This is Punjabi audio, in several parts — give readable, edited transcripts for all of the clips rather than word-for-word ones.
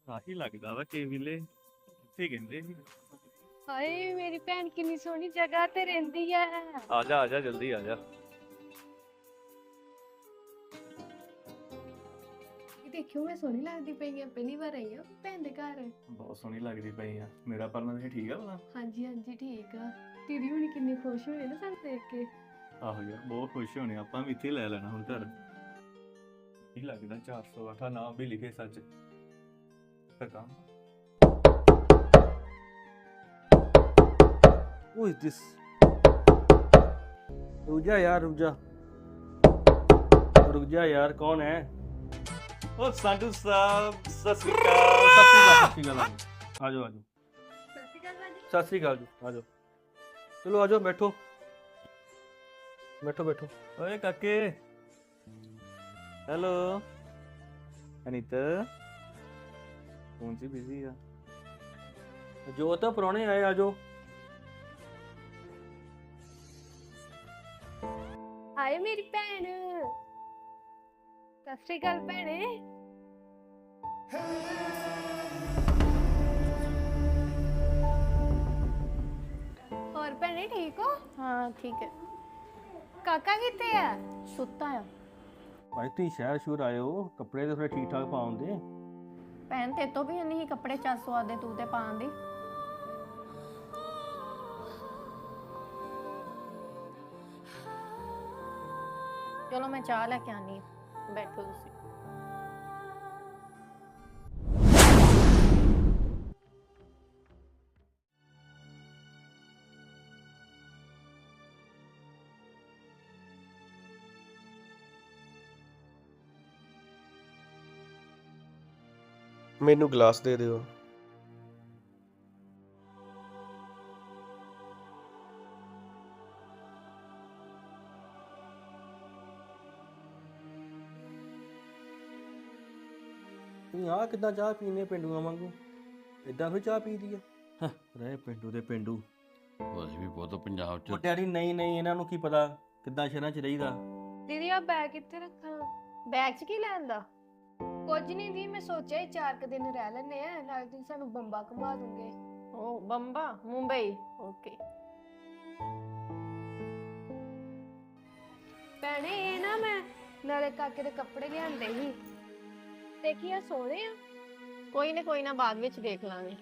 ਆਹੀ ਲੱਗਦਾ ਵਾ ਕਿ ਵੇਲੇ ਇੱਥੇ ਕਹਿੰਦੇ ਸੀ। ਹਾਏ ਮੇਰੀ ਭੈਣ ਕਿੰਨੀ ਸੋਹਣੀ ਜਗ੍ਹਾ ਤੇ ਰਹਿੰਦੀ ਆ। ਆ ਜਾ ਜਲਦੀ ਆ ਜਾ। ਇਹ ਦੇਖਿਓ ਮੈਂ ਸੋਹਣੀ ਲੱਗਦੀ ਪਈ ਆ, ਪਹਿਲੀ ਵਾਰ ਆਈ ਆ ਭੈਣ ਦੇ ਘਰ। ਬਹੁਤ ਸੋਹਣੀ ਲੱਗਦੀ ਪਈ ਆ। ਮੇਰਾ ਪਰਨਾ ਤੇ ਠੀਕ ਆ ਭਲਾ? ਹਾਂਜੀ ਹਾਂਜੀ ਠੀਕ ਆ। ਦੀਦੀ ਹੁਣੀ ਕਿੰਨੀ ਖੁਸ਼ ਹੋਏ ਨਾ ਸਾਨੂੰ ਦੇਖ ਕੇ। ਆਹੋ ਯਾਰ ਬਹੁਤ ਖੁਸ਼ ਹੋਣੇ ਆਪਾਂ ਵੀ ਇੱਥੇ ਲੈ ਲੈਣਾ ਹੁਣ ਘਰ। ਇਹ ਲੱਗਦਾ 408 ਨਾਮ ਵੀ ਲਿਖੇ ਸੱਚ ਪਰ ਕੰਮ। Who is this? रुक जा यार रुक जा यार कौन है? ਉਹ ਸੰਧੂ ਸਾਹਿਬ ਸਤਿ ਸ਼੍ਰੀ ਅਕਾਲ। सत श्री अकाल आ जाओ ਸਤਿ ਸ਼੍ਰੀ ਅਕਾਲ सत श्री अकाल ਭਾਜੀ। जी आ जाओ चलो आ जाओ बैठो बैठो बैठो ਓਏ ਕਾਕੇ ਹੈਲੋ ਅਨੀਤ ਫੋਨ 'ਚ ਬਿਜ਼ੀ ਆ। जो तो पुराने आए आ जाओ। ਹਾਏ ਮੇਰੀ ਭੈਣ। ਸਤਿ ਸ਼੍ਰੀ ਅਕਾਲ ਭੈਣੇ। ਹੋਰ ਭੈਣੇ ਠੀਕ ਹੋ? हाँ ठीक है। ਕਾਕਾ ਕਿੱਥੇ ਆ? सुता है भाई तुम शहर शूर आए हो कपड़े तो थोड़े ठीक ठाक पाओगे। भैन ते तो भी नहीं कपड़े चल सुआदे तू ते पान दी। चलो मैं चाह लेके आनी हूं। बैठो तुसी। ਮੈਨੂੰ ਗਲਾਸ ਦੇ ਦਿਓ। तुम आ कितना चाह पीने पेंडुआ वांगू इदां फिर चाह पी दी है रहे पेंडू ਦੇ ਪਿੰਡੂ। ਉਹ ਅਸੀਂ ਵੀ ਬਹੁਤ ਪੰਜਾਬ ਉਹ ਚ ਡੈਡੀ ਨਹੀਂ ਇਹਨਾਂ ਨੂੰ ਕੀ ਪਤਾ ਕਿੱਦਾਂ ਸ਼ਹਿਰਾਂ 'ਚ ਰਹੀਦਾ। ਦੀਦੀ ਆ ਬੈਗ ਕਿੱਥੇ ਰੱਖਾਂ? बैग च की लैन दा? ਕੁਝ ਨਹੀਂ ਦੀ, ਮੈਂ ਸੋਚਿਆ ਹੀ 4 ਕੁ ਦਿਨ ਰਹਿ ਲੈਣੇ ਆ, ਨਾਲ ਤੁਸੀਂ ਸਾਨੂੰ ਬੰਬਾ ਘੁਮਾ ਦੂੰਗੇ। ओ बम्बा मुंबई ओके। ਭੈਣੇ ਇਹ ਨਾ ਮੈਂ ਨਾਲੇ ਕਾਕੇ ਦੇ ਕੱਪੜੇ ਲਿਆਂਦੇ ਸੀ, ਦੇਖੀ ਆ ਸੋਹਣੇ ਆ। कोई ना बाद विच देख लांगे।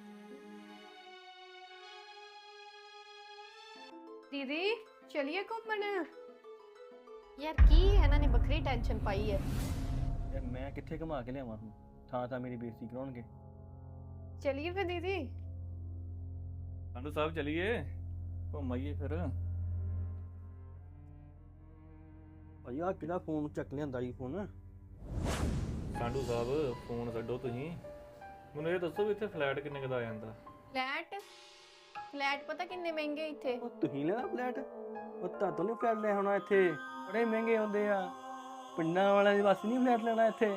ਦੀਦੀ ਚਲਿਏ ਘੁੰਮਣ। यार की इन्हां ने बखरी टेंशन पाई है। ਯਾਰ ਮੈਂ ਕਿੱਥੇ ਘੁਮਾ ਕੇ ਲਿਆਵਾਂ ਹੁਣ ਥਾਂ ਮੇਰੀ ਬੇਇੱਜ਼ਤੀ ਕਰਾਉਣਗੇ। ਚਲਿਏ ਫਿਰ ਦੀਦੀ। ਸੰਧੂ ਸਾਹਿਬ ਚਲੀਏ ਘੁੰਮ ਆਈਏ ਫਿਰ। ਭਾਈ ਆ ਕਿਹੜਾ ਫੋਨ ਚੱਕ ਲਿਆਂਦਾ ਜੀ ਫੋਨ। ਸੰਧੂ ਸਾਹਿਬ ਫੋਨ ਛੱਡੋ ਤੁਸੀਂ, ਮੈਨੂੰ ਇਹ ਦੱਸੋ ਵੀ ਇੱਥੇ ਫਲੈਟ ਕਿੰਨੇ ਕੁ ਦਾ ਆ ਜਾਂਦਾ? फ्लैट पता किन्ने महंगे इत्थे। ਉਹ ਤੁਸੀਂ ਲੈਣਾ ਫਲੈਟ? ਉਹ ਤੁਹਾਨੂੰ ਨਹੀਂ ਫਲੈਟ ਲੈ ਹੋਣਾ ਇੱਥੇ ਬੜੇ ਮਹਿੰਗੇ ਹੁੰਦੇ ਆ। ਪਿੰਡਾਂ ਵਾਲਿਆਂ ਦੇ ਵਾਸਤੇ ਨਹੀਂ ਫਲੈਟ ਲੈਣਾ ਇੱਥੇ।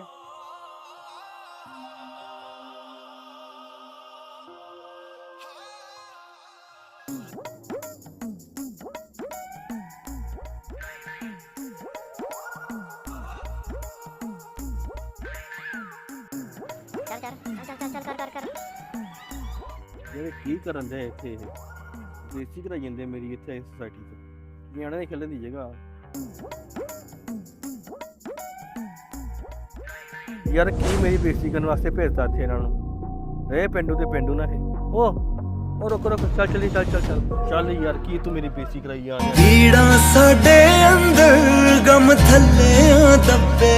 ਜਿਹੜੇ ਕੀ ਕਰਨ ਦੇ ਇੱਥੇ ਇਹ ਬੇਇੱਜ਼ਤੀ ਕਰਾਈ ਜਾਂਦੇ ਮੇਰੀ ਇੱਥੇ ਸੋਸਾਇਟੀ 'ਚ। ਨਿਆਣੇ ਦੇ ਖੇਲਣ ਦੀ ਜਗ੍ਹਾ। ਯਾਰ ਕੀ ਮੇਰੀ ਬੇਇੱਜ਼ਤੀ ਕਰਨ ਵਾਸਤੇ ਭੇਜਤਾ ਇੱਥੇ ਇਹਨਾਂ ਨੂੰ। ਇਹ ਪਿੰਡੂ ਤੇ ਪਿੰਡੂ ਨਾ ਇਹ। ਉਹ ਰੁਕ ਚੱਲ ਚੱਲ ਯਾਰ ਕੀ ਤੂੰ ਮੇਰੀ ਬੇਇੱਜ਼ਤੀ ਕਰਾਈ ਜਾ ਰਿਹਾ। ਪੀੜਾਂ ਸਾਡੇ ਅੰਦਰ ਗਮ ਥੱਲੇ ਦੱਬੇ।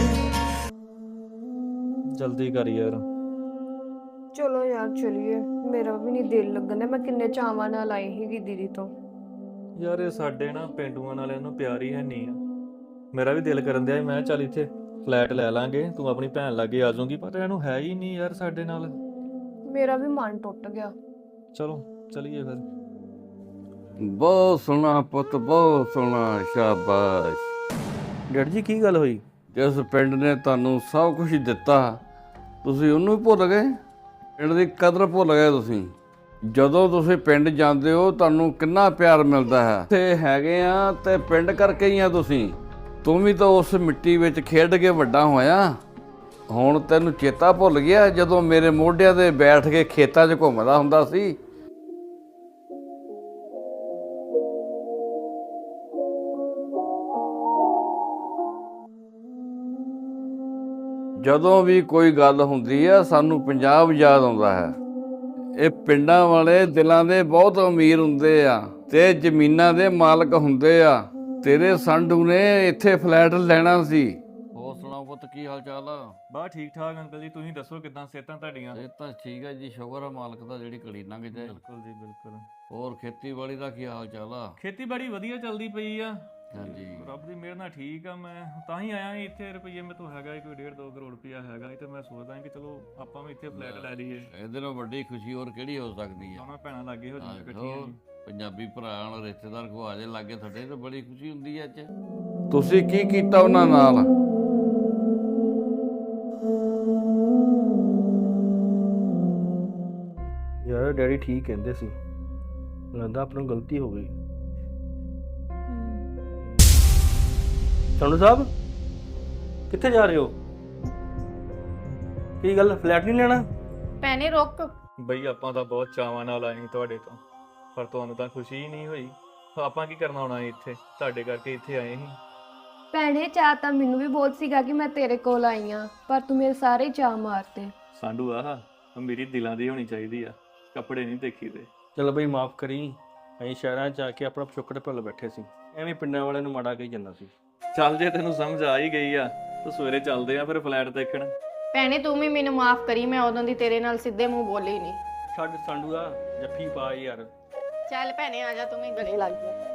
ਜਲਦੀ ਕਰ ਯਾਰ। ਚਲੋ ਯਾਰ ਚਲਿਏ, ਮੇਰਾ ਵੀ ਨਹੀਂ ਦਿਲ ਲੱਗਣਾ। ਮੈਂ ਕਿੰਨੇ ਚਾਵਾਂ ਨਾਲ ਆਈ ਸੀਗੀ ਦੀਦੀ ਤੋਂ। ਯਾਰ ਇਹ ਸਾਡੇ ਨਾ ਪਿੰਡੂਆਂ ਵਾਲਿਆਂ ਨੂੰ ਪਿਆਰ ਹੀ ਹੈ ਨਹੀਂ ਆ। ਮੇਰਾ ਵੀ ਦਿਲ ਕਰਨ ਦਿਆ ਮੈਂ ਚੱਲ ਇੱਥੇ ਫਲੈਟ ਲੈ ਲਾਂਗੇ, ਤੂੰ ਆਪਣੀ ਭੈਣ ਲਾਗੇ ਆ ਜਾਊਂਗੀ, ਪਰ ਇਹਨੂੰ ਹੈ ਹੀ ਨਹੀਂ ਯਾਰ ਸਾਡੇ ਨਾਲ। ਮੇਰਾ ਵੀ ਮਨ ਟੁੱਟ ਗਿਆ। ਚਲੋ ਚਲੀਏ ਫਿਰ। ਬਹੁਤ ਸੋਹਣਾ ਪੁੱਤ, ਬਹੁਤ ਸੋਹਣਾ, ਸ਼ਾਬਾਸ਼। ਡੈਡ ਜੀ ਕੀ ਗੱਲ ਹੋਈ? ਜਿਸ ਪਿੰਡ ਨੇ ਤੁਹਾਨੂੰ ਸਭ ਕੁਝ ਦਿੱਤਾ ਤੁਸੀਂ ਉਹਨੂੰ ਹੀ ਭੁੱਲ ਗਏ। ਪਿੰਡ ਦੀ ਕਦਰ ਭੁੱਲ ਗਏ ਤੁਸੀਂ। ਜਦੋਂ ਤੁਸੀਂ ਪਿੰਡ ਜਾਂਦੇ ਹੋ ਤੁਹਾਨੂੰ ਕਿੰਨਾ ਪਿਆਰ ਮਿਲਦਾ ਹੈ। ਇੱਥੇ ਹੈਗੇ ਆ ਤੇ ਪਿੰਡ ਕਰਕੇ ਹੀ ਆ ਤੁਸੀਂ। ਤੂੰ ਵੀ ਤਾਂ ਉਸ ਮਿੱਟੀ ਵਿੱਚ ਖੇਡ ਕੇ ਵੱਡਾ ਹੋਇਆ। ਹੁਣ ਤੈਨੂੰ ਚੇਤਾ ਭੁੱਲ ਗਿਆ ਜਦੋਂ ਮੇਰੇ ਮੋਢਿਆਂ ਤੇ ਬੈਠ ਕੇ ਖੇਤਾਂ 'ਚ ਘੁੰਮਦਾ ਹੁੰਦਾ ਸੀ? ਜਦੋਂ ਵੀ ਕੋਈ ਗੱਲ ਹੁੰਦੀ ਆ ਸਾਨੂੰ ਪੰਜਾਬ ਯਾਦ ਆਉਂਦਾ ਹੈ। ਇਹ ਪਿੰਡਾਂ ਵਾਲੇ ਦਿਲਾਂ ਦੇ ਬਹੁਤ ਅਮੀਰ ਹੁੰਦੇ ਆ ਤੇ ਜ਼ਮੀਨਾਂ ਦੇ ਮਾਲਕ ਹੁੰਦੇ ਆ। ਤੇਰੇ ਸੰਡੂ ਨੇ ਇੱਥੇ ਫਲੈਟ ਲੈਣਾ ਸੀ। ਹੋਰ ਸੁਣਾਓ ਪੁੱਤ, ਕੀ ਹਾਲ ਚਾਲ ਆ? ਬਾ ਠੀਕ ਠਾਕ ਅੰਕਲ ਜੀ, ਤੁਸੀਂ ਦੱਸੋ ਕਿਦਾਂ ਸਿਹਤਾਂ ਤੁਹਾਡੀਆਂ? ਇਹ ਤਾਂ ਠੀਕ ਹੈ ਜੀ, ਸ਼ੁਕਰ ਆ ਮਾਲਕ ਦਾ ਜਿਹੜੀ ਘੜੀ ਲੰਘ ਜਾਏ। ਬਿਲਕੁਲ ਜੀ ਬਿਲਕੁਲ। ਹੋਰ ਖੇਤੀਬਾੜੀ ਦਾ ਕੀ ਹਾਲ ਚਾਲ ਆ? ਖੇਤੀਬਾੜੀ ਵਧੀਆ ਚੱਲਦੀ ਪਈ ਆ, ਹਾਂਜੀ। ਰੱਬ ਦੀ ਮਿਹਰ ਨਾਲ ਠੀਕ ਆ। ਮੈਂ ਤਾਂ ਹੀ ਆਇਆ ਸੀ ਇੱਥੇ। ਰੁਪਈਏ ਮੇਰੇ ਤੋਂ ਹੈਗਾ ਕੋਈ 1.5-2 ਕਰੋੜ ਰੁਪਈਆ ਹੈਗਾ ਸੀ ਤੇ ਮੈਂ ਸੋਚਦਾ ਕਿ ਚਲੋ ਆਪਾਂ ਵੀ ਇੱਥੇ ਫਲੈਟ ਲੈ ਲਈਏ। ਇਹਦੇ ਨਾਲ ਵੱਡੀ ਖੁਸ਼ੀ ਹੋਰ ਕਿਹੜੀ ਹੋ ਸਕਦੀ ਆ? ਦੋਨਾਂ ਭੈਣਾਂ ਲਾਗੇ ਹੋ ਜਾਈਆਂ ਇਕੱਠੀਆਂ ਹੋਰ ਜੀ। ਪੰਜਾਬੀ ਭਰਾ ਨਾਲ ਰਿਸ਼ਤੇਦਾਰ ਕੋ ਆ ਜੇ ਲਾਗੇ ਤੁਹਾਡੇ ਤਾਂ ਬੜੀ ਖੁਸ਼ੀ ਹੁੰਦੀ ਹੈ ਅੱਜ। ਤੁਸੀਂ ਕੀ ਕੀਤਾ ਉਹਨਾਂ ਨਾਲ? ਯਾਰ ਡੈਡੀ ਠੀਕ ਕਹਿੰਦੇ ਸੀ, ਲੱਗਦਾ ਆਪਣਾ ਗਲਤੀ ਹੋ ਗਈ। ਸੰਧੂ ਸਾਹਿਬ ਕਿੱਥੇ ਜਾ ਰਹੇ ਹੋ? ਕੀ ਗੱਲ, ਫਲੈਟ ਨਹੀਂ ਲੈਣਾ? ਭੈਣੇ ਰੁਕ। ਬਈ ਆਪਾਂ ਤਾਂ ਬਹੁਤ ਚਾਵਾਂ ਨਾਲ ਆਏ ਸੀ ਤੁਹਾਡੇ ਤੋਂ, ਪਰ ਤੁਹਾਨੂੰ ਤਾਂ ਖੁਸ਼ੀ ਹੀ ਨਹੀਂ ਹੋਈ। ਆਪਾਂ ਕੀ ਕਰਨਾ ਹੋਣਾ ਇੱਥੇ? ਤੁਹਾਡੇ ਕਰਕੇ ਇੱਥੇ ਆਏ ਸੀ। ਭੈਣੇ ਚਾਹ ਤਾਂ ਮੈਨੂੰ ਵੀ ਬਹੁਤ ਸੀਗਾ ਕਿ ਮੈਂ ਤੇਰੇ ਕੋਲ ਆਈ ਆ, ਪਰ ਤੂੰ ਮੇਰੇ ਸਾਰੇ ਚਾਅ ਮਾਰਤੇ। ਸਾਂਢੂ ਆਹ ਮੇਰੀ ਦਿਲਾਂ ਦੀ ਹੋਣੀ ਚਾਹੀਦੀ ਆ, ਕੱਪੜੇ ਨਹੀਂ ਦੇਖੀਦੇ। ਚਲ ਬਈ ਮਾਫ ਕਰੀ, ਅਸੀਂ ਸ਼ਹਿਰਾਂ 'ਚ ਆ ਕੇ ਆਪਣਾ ਪਿਛੋਕੜ ਭੁੱਲ ਬੈਠੇ ਸੀ, ਐਵੇਂ ਪਿੰਡਾਂ ਵਾਲਿਆਂ ਨੂੰ ਮਾੜਾ ਕਹੀ ਜਾਂਦਾ ਸੀ। ਚੱਲ ਜੇ ਤੈਨੂੰ ਸਮਝ ਆ ਹੀ ਗਈ ਆ ਤਾਂ ਸਵੇਰੇ ਚੱਲਦੇ ਆ ਫਿਰ ਫਲੈਟ ਦੇਖਣ। ਭੈਣੇ ਤੂੰ ਵੀ ਮੈਨੂੰ ਮਾਫ ਕਰੀ, ਮੈਂ ਉਦੋਂ ਦੀ ਤੇਰੇ ਨਾਲ ਸਿੱਧੇ ਮੂੰਹ ਬੋਲੀ ਨਹੀਂ। ਛੱਡ ਸੰਡੂ ਦਾ ਜੱਫੀ ਪਾ ਯਾਰ। ਚੱਲ ਭੈਣੇ ਆ ਜਾ, ਤੂੰ ਵੀ ਗਲੇ ਲੱਗ ਜਾ।